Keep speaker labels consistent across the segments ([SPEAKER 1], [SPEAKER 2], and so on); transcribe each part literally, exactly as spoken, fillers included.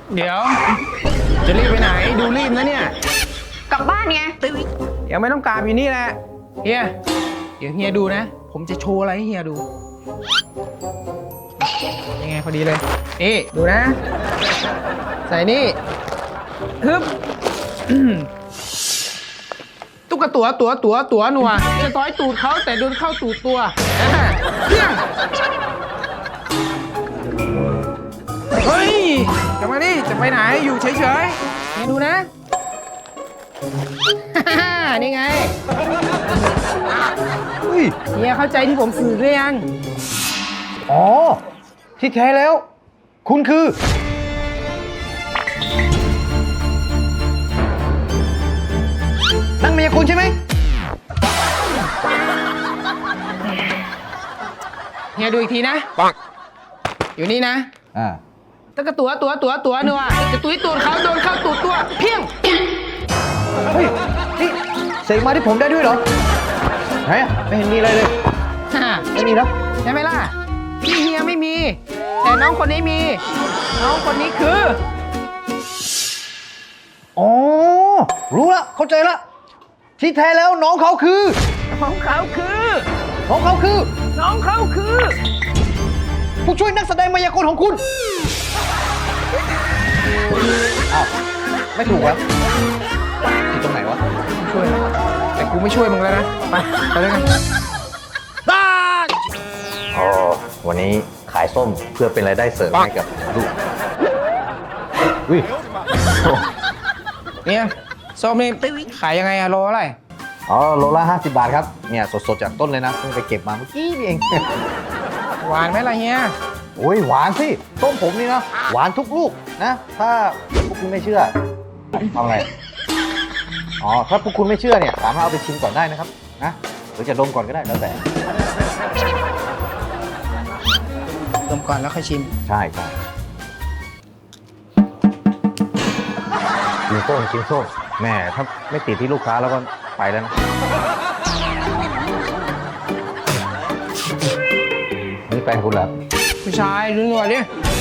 [SPEAKER 1] เดี๋ยวจะรีบไปไหนดูรีบนะเนี่ย
[SPEAKER 2] กลับบ้านไง
[SPEAKER 1] ยังไม่ต้องกราบอยู่นี่แหละเฮียเดี๋ยวเฮียดูนะ ผมจะโชว์อะไรให้เฮียดูยังไงพอดีเลยนี่ดูนะ ใส่นี่ฮึบตุ๊กตัวตัวตัวตัวหนัวจะต้อยตูดเขาแต่โดนเข้าตูดตัวเพี้ยงเฮ้ยกลับมาดิจะไปไหนอยู่เฉยๆนี่ดูนะ นี่ไงเฮียเข้าใจที่ผมสื่อหรือยัง
[SPEAKER 3] อ๋อที่แท้แล้ว คุณคือนั่งเมียคุณใช่ไหม
[SPEAKER 1] เฮียดูอีกทีนะปังอยู่นี่นะ
[SPEAKER 3] อ่า
[SPEAKER 1] ตั้งกระตัวตัวตัวตัวนัวจะตุ้ยตูดเขาโดนเข้าตูดตัวเพี้ยง
[SPEAKER 3] เฮ้ยนี่เสกมาที่ผมได้ด้วยเหรอไหนอ่ะไม่เห็นมีอะไรเลยไม่มีแล้ว
[SPEAKER 1] ใช่ไหมล่ะพี่เฮียไม่มีแต่น้องคนนี้มีน้องคนนี้คือ
[SPEAKER 3] อ๋อรู้ละเข้าใจละที่แท้แล้วน้องเขาคือ
[SPEAKER 1] น้องเขาคือ
[SPEAKER 3] น้องเขาคือ
[SPEAKER 1] น้องเขาคือ
[SPEAKER 3] ผู้ช่วยนักแสดงมายากลของคุณอ้าวไม่ถูกวะผิดตรงไหนวะ
[SPEAKER 1] ช่วยแต่กูไม่ช่วยมึงแล้วนะไปไปเลยกันบ้า
[SPEAKER 3] อ๋อวันนี้ขายส้มเพื่อเป็นรายได้เสริมให้กับลูกอุ้ย
[SPEAKER 1] เนี่ยส้มนี่ขายยังไงอะโลอะไร
[SPEAKER 3] อ๋อโลละห้าสิบบาทครับเนี่ยสดๆจากต้นเลยนะเพิ่งไปเก็บมาเมื่อกี้นี่เอง
[SPEAKER 1] หวานไหมล่ะเฮีย
[SPEAKER 3] โอ้ยหวานสิต้มผมนี่นะหวานทุกลูกนะถ้าพวกคุณไม่เชื่อทำไงอ๋อถ้าพวกคุณไม่เชื่อเนี่ยสามารถเอาไปชิมก่อนได้นะครับนะหรือจะดมก่อนก็ได้แล้วแต่
[SPEAKER 1] ดมก่อนแล้วค่อยชิม
[SPEAKER 3] ใช่ใช่กินส้มกินส้มแม่ถ้าไม่ติดที่ลูกค้าแล้วก็ไปแล้วนะนี่แฟนคุณเหรอ
[SPEAKER 1] ผู้ชายดูหน่อยดิ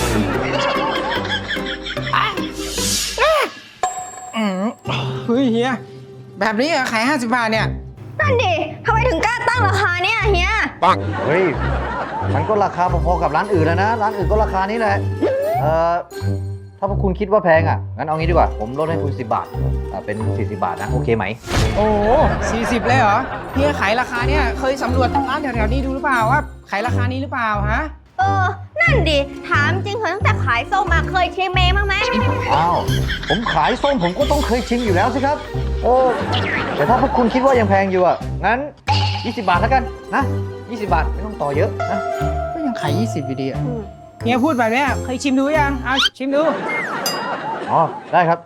[SPEAKER 1] เฮ้ยเฮียแบบนี้ขายห้าสิบบาทเนี่ย
[SPEAKER 2] นั่นดิทำไมถึงกล้าตั้งราคาเนี่ยเฮีย
[SPEAKER 3] ปังเฮ้ยมันก็ราคาพอๆกับร้านอื่นแล้วนะร้านอื่นก็ราคานี้แหละเอ่อถ้าพวกคุณคิดว่าแพงอ่ะงั้นเอางี้ดีกว่าผมลดให้คุณสิบบาทเป็นสี่สิบบาทนะโอเคไหม
[SPEAKER 1] โอ้สี่สิบเลยเหรอเฮียขายราคาเนี่ยเคยสำรวจร้านแถวๆนี้ดูหรือเปล่าว่าขายราคานี้หรือเปล่าฮะ
[SPEAKER 2] เออนั่นดิถามจริงเหรอตั้งแต่ขายส้มมาเคยชิมเมย์บ้างไหม
[SPEAKER 3] อ้าวผมขายส้มผมก็ต้องเคยชิมอยู่แล้วสิครับโอ้แต่ถ้าพวกคุณคิดว่ายังแพงอยู่อ่ะงั้นยี่สิบบาทแล้วกันนะยี่สิบบาทไม่ต้องต่อเยอะนะ
[SPEAKER 1] ก็ยังขายยี่สิบอยู่ดีอ่ะเฮียพูดแบบนี้เคยชิมดูยังเอาชิมดู
[SPEAKER 3] อ๋อได้ครับ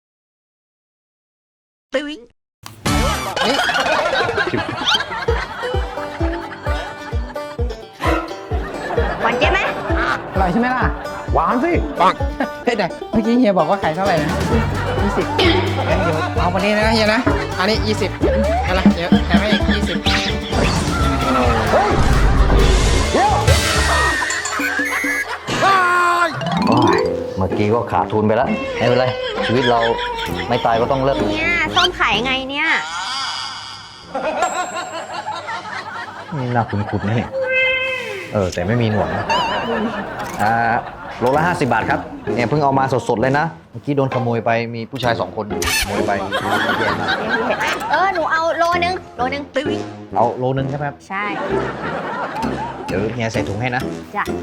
[SPEAKER 2] ตึ้ง
[SPEAKER 3] นี่
[SPEAKER 2] หวานเจ๊ไหม
[SPEAKER 1] อร่อยใช่ไหมล่ะ
[SPEAKER 3] หวานสิปัง
[SPEAKER 1] เฮ้ยแต่เมื่อกี้เฮียบอกว่าขายเท่าไหร่นะยี่สิบงั้นเดี๋ยวเอาวันนี้นะเฮียนะอันนี้ยี่สิบอะไรเดี๋ยวแถมให้อีกยี่สิบ
[SPEAKER 3] เฮ้ยเดี๋ยวเมื่อกี้ก็ขาดทุนไปแล้วไม่เป็นไรชีวิตเราไม่ตายก็ต้องเลิก
[SPEAKER 2] เนี่ยส้มขายไงเนี่ย
[SPEAKER 3] นี่น่าคุ้นๆนะเนี่ยเออแต่ไม่มีหนวดนะอ่าโลละห้าสิบบาทครับเนี่ยเพิ่งเอามาสดๆเลยนะเมื่อกี้โดนขโมยไปมีผู้ชายสองคนขโมยไปแย่มาก
[SPEAKER 2] เออหนูเอาโลนึงโลนึงตึ้ง
[SPEAKER 3] เอาโลนึงใช่ไหมครับ
[SPEAKER 2] ใช่
[SPEAKER 3] เดี๋ยวเฮียใส่ถุงให้นะ
[SPEAKER 2] จ้ะ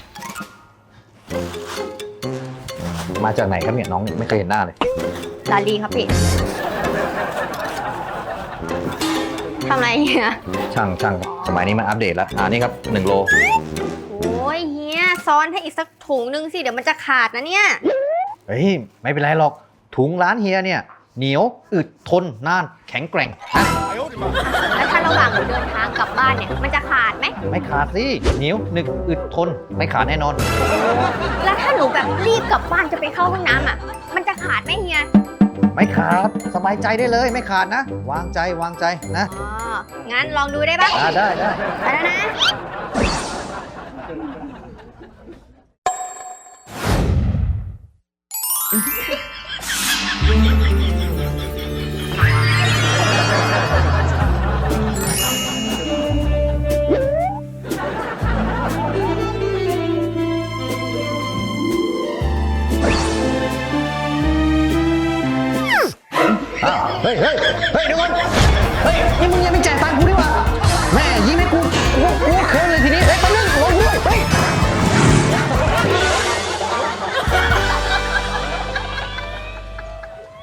[SPEAKER 3] มาจากไหนครับเนี่ยน้องไม่เคยเห็นหน้าเลย
[SPEAKER 2] ลาลีครับพี่ทำไรเฮีย
[SPEAKER 3] ช่างช่างสมัยนี้มันอัปเดตแล้วอ่านี่ครับหนึ่งโล
[SPEAKER 2] โอ้ยเฮียซ้อนให้อีกสักถุงนึงสิเดี๋ยวมันจะขาดนะเนี่ย
[SPEAKER 3] เฮ้ยไม่เป็นไรหรอกถุงร้านเฮียเนี่ยเหนียวอึดทนนานแข็งแกร่งนะ
[SPEAKER 2] แล้วถ้าระหว่างหนูเดินทางกลับบ้านเนี่ยมันจะขาดไหม
[SPEAKER 3] ไม่ขาดสิเหนียวหนึบอึดทนไม่ขาดแน่นอน
[SPEAKER 2] แล้วถ้าหนูแบบรีบกลับบ้านจะไปเข้าห้องน้ำอ่ะมันจะขาดไหมเฮีย
[SPEAKER 3] ไม่ขาดสบายใจได้เลยไม่ขาดนะวางใจวางใจนะ
[SPEAKER 2] อ๋องั้นลองดูได้ปะ
[SPEAKER 3] ได้ได้
[SPEAKER 2] ไปแล้วนะ
[SPEAKER 3] อ้าวเฮ้ยเฮ้ยเฮ้ยเดี๋ยวก่อนเฮ้ย นี่มึงยังไม่จ่ายตังค์